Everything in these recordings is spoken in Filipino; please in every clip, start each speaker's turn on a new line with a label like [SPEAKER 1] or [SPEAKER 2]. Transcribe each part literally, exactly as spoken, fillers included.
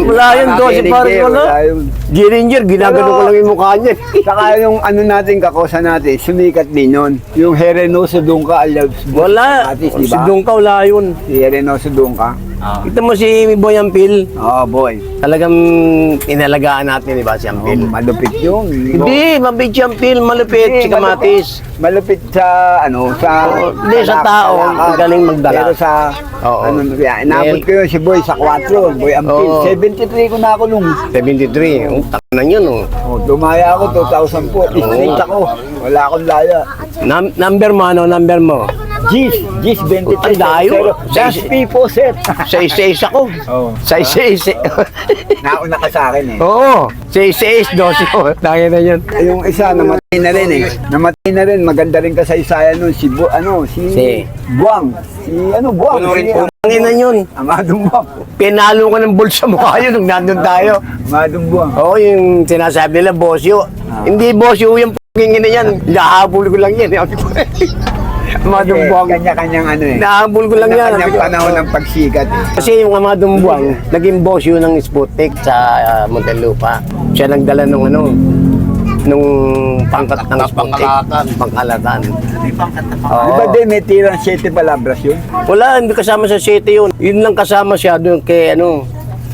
[SPEAKER 1] Wala yun, Dosi Pares wala. Giringer, ginagano ko lang yung mukha niya.
[SPEAKER 2] Saka yung ano natin, kakosa natin, sumikat din yun. Yung Herenoso Dungka, Alabs.
[SPEAKER 1] Wala.
[SPEAKER 2] Artist,
[SPEAKER 1] Si
[SPEAKER 2] diba?
[SPEAKER 1] Dungka, wala yun.
[SPEAKER 2] Si Herenoso Dungka.
[SPEAKER 1] Kita mo si Boy Ampil.
[SPEAKER 2] Oo, oh, boy.
[SPEAKER 1] Talagang inalagaan natin, di ba, si
[SPEAKER 2] Oh,
[SPEAKER 1] Ampil?
[SPEAKER 2] malupit yun.
[SPEAKER 1] Hindi, mabait si Ampil, malupit,
[SPEAKER 2] Hindi,
[SPEAKER 1] si Kamatis.
[SPEAKER 2] Malupit sa, ano, sa...
[SPEAKER 1] Hindi, sa tao,
[SPEAKER 2] lakad.
[SPEAKER 1] galing magdala.
[SPEAKER 2] Pero sa,
[SPEAKER 1] Oo.
[SPEAKER 2] ano, yan, inabot ko yun si Boy sa kwatro, Boy Ampil.
[SPEAKER 1] Oo.
[SPEAKER 2] seventy-three ko na ako nung.
[SPEAKER 1] seventy-three, ang taka na yun, oh.
[SPEAKER 2] Oh, dumaya ako, two thousand po. Straight ako. Wala akong laya.
[SPEAKER 1] Num- number mo, ano, number mo?
[SPEAKER 2] Gis, Gis twenty-three.
[SPEAKER 1] Ang layo.
[SPEAKER 2] Just P po, sir.
[SPEAKER 1] Sa isa-isa ko.
[SPEAKER 2] Oo.
[SPEAKER 1] Sa isa-isa.
[SPEAKER 2] Nauna ka sa akin eh.
[SPEAKER 1] Oo, sa isa-isa, dosi ko. Dahil na yun.
[SPEAKER 2] Yung isa, namatay na rin eh. Namatay na rin. Maganda rin kasaysayan nun. Si, Bu, ano, si...
[SPEAKER 1] Si-
[SPEAKER 2] Buang. Si, ano, Buang. Si,
[SPEAKER 1] Ang ina yun.
[SPEAKER 2] Amadong Buang.
[SPEAKER 1] Pinalo ko ng bulsa mukha yun nung nandun tayo.
[SPEAKER 2] Amadong Buang.
[SPEAKER 1] Oo, yung sinasabi nila, Bosyo. Hindi Bosyo yung p***ing ina yan. Nahabol ko lang yan. Amadong Buang.
[SPEAKER 2] Kanya-kanyang ano eh.
[SPEAKER 1] Nahabol ko lang yan.
[SPEAKER 2] Kanya-kanyang panahon ng pagsikat eh.
[SPEAKER 1] Kasi yung Amadong Buang, naging Bosyo ng Sputnik sa uh, Muntinlupa. Siya nagdala nung ano, nung pangkat ng Sputnik. Pangkalatan.
[SPEAKER 2] Di ba din may tirang siyete palabras yun?
[SPEAKER 1] Wala, hindi kasama sa city yun. Yun lang kasama siya doon kay ano,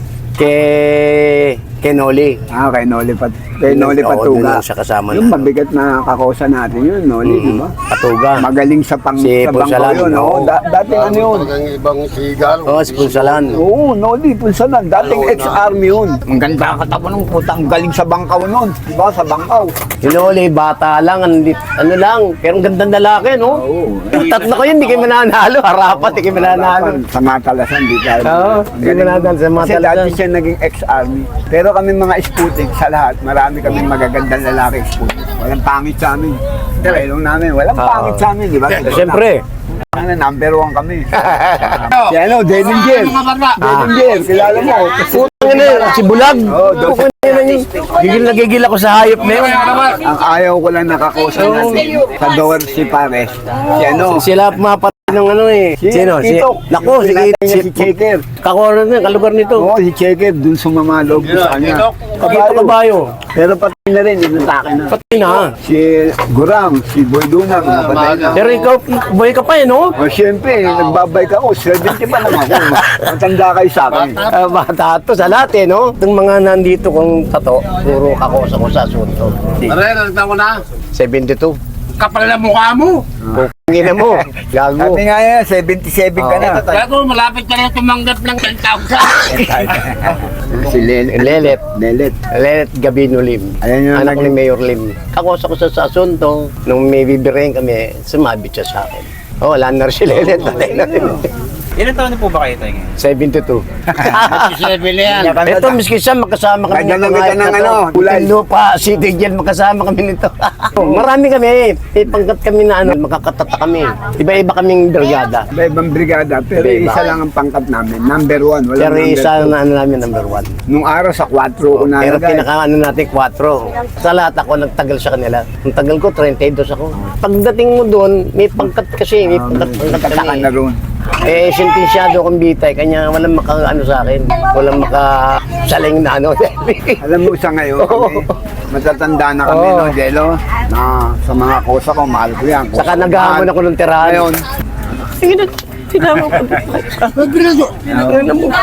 [SPEAKER 1] kay kay Noli.
[SPEAKER 2] Ah, kay Noli Pat kay Noli
[SPEAKER 1] Oo,
[SPEAKER 2] Patuga.
[SPEAKER 1] doon lang siya kasama
[SPEAKER 2] Yung
[SPEAKER 1] na.
[SPEAKER 2] mabigat na kakosa natin yun, Noli, di ba?
[SPEAKER 1] Patuga.
[SPEAKER 2] Magaling sa pang
[SPEAKER 1] Si
[SPEAKER 2] sa bangko
[SPEAKER 1] Punsalan,
[SPEAKER 2] yun, oo.
[SPEAKER 1] oo.
[SPEAKER 2] Da- dati ano yun?
[SPEAKER 3] Talagang ibang sigal.
[SPEAKER 1] Oo, si Punsalan.
[SPEAKER 2] Oo, Noli, Punsalan. Dating ex-army yun. Ang ganda ang katawan ng puta. Ang galing sa bangkaw nun. Di ba? Sa bangkaw.
[SPEAKER 1] Si Noli, bata lang, andit, ano lang, pero ang gandang lalaki, no?
[SPEAKER 2] Oo.
[SPEAKER 1] Tatlo kayo, hindi kayo mananalo. Harapat, hindi kayo mananalo.
[SPEAKER 2] Sa matalasan, di tayo.
[SPEAKER 1] Oo,
[SPEAKER 2] Ang
[SPEAKER 1] hindi
[SPEAKER 2] galing.
[SPEAKER 1] mananalo sa
[SPEAKER 2] Kasi
[SPEAKER 1] matalasan.
[SPEAKER 2] dati siya naging ex-army. Pero kami mga Sputnik sa lahat, marami kaming magagandang lalaki Sputnik. Walang pangit sa amin. Trailong namin, walang
[SPEAKER 1] Oo.
[SPEAKER 2] pangit sa amin, di ba?
[SPEAKER 1] Siyempre.
[SPEAKER 2] Ano, number one kami. Si ano, Dedinger.
[SPEAKER 3] Ah.
[SPEAKER 2] Dedinger, kilala mo.
[SPEAKER 1] Putang ina, si Bulag.
[SPEAKER 2] Oo, doon.
[SPEAKER 1] Putang ina niya. Gigil na gigil ako sa hayop na yun.
[SPEAKER 2] Ang ayaw ko lang nakakosa natin sa door si Pares. Si ano,
[SPEAKER 1] Sila pumapat ng ano eh.
[SPEAKER 2] Si
[SPEAKER 1] Sino? Si,
[SPEAKER 2] Tito.
[SPEAKER 1] Naku, si,
[SPEAKER 2] Pinatay niya
[SPEAKER 1] si,
[SPEAKER 2] si Checker.
[SPEAKER 1] Kakoran na, kalugar nito.
[SPEAKER 2] Oo, si Checker, dun sumamalog ko sa kanya.
[SPEAKER 1] Kapito kabayo.
[SPEAKER 2] Pero patay na rin, inatake na.
[SPEAKER 1] Patay na.
[SPEAKER 2] Si Gurang, si Boy Dunang, patay na.
[SPEAKER 1] Pero ikaw, boy ka pa eh, no?
[SPEAKER 2] O siyempre, nagbabay ka ako, seventy pa naman ako. Matanda kayo sa akin.
[SPEAKER 1] Uh, bata to sa lahat eh, no? Itong mga nandito kong tato, puro kakosa ko sa asunto.
[SPEAKER 3] Pare, nagtang ko na.
[SPEAKER 1] seventy-two.
[SPEAKER 3] Kapal na mukha mo.
[SPEAKER 1] Pungin mo, gago.
[SPEAKER 2] Sabi nga yan, seventy-seven ka na.
[SPEAKER 3] Gago, malapit ka na tumanggap ng ten thousand.
[SPEAKER 2] Si Lelet.
[SPEAKER 1] Lelet.
[SPEAKER 2] Lelet.
[SPEAKER 1] Lelet Gabino Lim.
[SPEAKER 2] Ayan yung
[SPEAKER 1] Anak ni
[SPEAKER 2] naging-
[SPEAKER 1] Mayor Lim. Kakosa ko sa, sa asunto, nung may bibirahin kami, sumabit siya sa akin. Oh, wala na rin si Lelet. Patay na rin.
[SPEAKER 4] Ilan taon na po ba kayo tayo ngayon?
[SPEAKER 1] seventy-two.
[SPEAKER 3] Seven na yan.
[SPEAKER 1] Ito, miski siya, magkasama kami
[SPEAKER 2] Kanya lang kita ng ano, kulay.
[SPEAKER 1] Lupa, City Jail, magkasama kami nito. Marami kami, may pangkat kami na ano, makakatata kami. Iba-iba kaming brigada.
[SPEAKER 2] Iba-ibang brigada, pero
[SPEAKER 1] Iba-iba.
[SPEAKER 2] isa lang ang pangkat namin. Number one. Wala
[SPEAKER 1] Pero
[SPEAKER 2] number
[SPEAKER 1] isa
[SPEAKER 2] two.
[SPEAKER 1] na ano namin, number one.
[SPEAKER 2] Nung araw sa kwatro ko na
[SPEAKER 1] Pero
[SPEAKER 2] lagay.
[SPEAKER 1] pinaka ano natin, kwatro. Sa lahat ako, nagtagal sa kanila. Ang tagal ko, thirty-two ako. Pagdating mo doon, may pangkat kasi, may pangkat-pangkat
[SPEAKER 2] Kataka
[SPEAKER 1] kami.
[SPEAKER 2] na roon.
[SPEAKER 1] Eh, sentensyado akong bitay, kanya walang maka, ano sa akin, walang maka saling na ano.
[SPEAKER 2] Alam mo sa ngayon, kami, matatanda na kami,
[SPEAKER 1] Oo.
[SPEAKER 2] no, Jello? Na sa mga kosa ko, mahal ko yan.
[SPEAKER 1] Saka naghahamon ako ng tirahan.
[SPEAKER 2] Ngayon,
[SPEAKER 1] Sige na, sinama ko. Ano mo?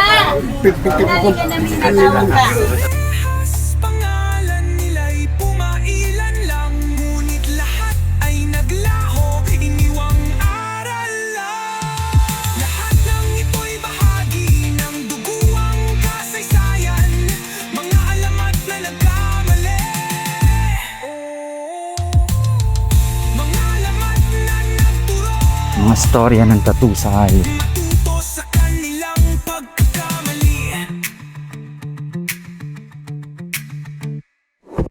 [SPEAKER 5] Pangalan nila'y pumailan lang, ngunit lahat ay naglaho, iniwang aral lang. Lahat ng ito'y bahagi ng duguang kasaysayan, mga alamat na nagkamali. Mga alamat na nagturo,
[SPEAKER 4] Mga storya ng tattoo sa hayop.
[SPEAKER 5] matulad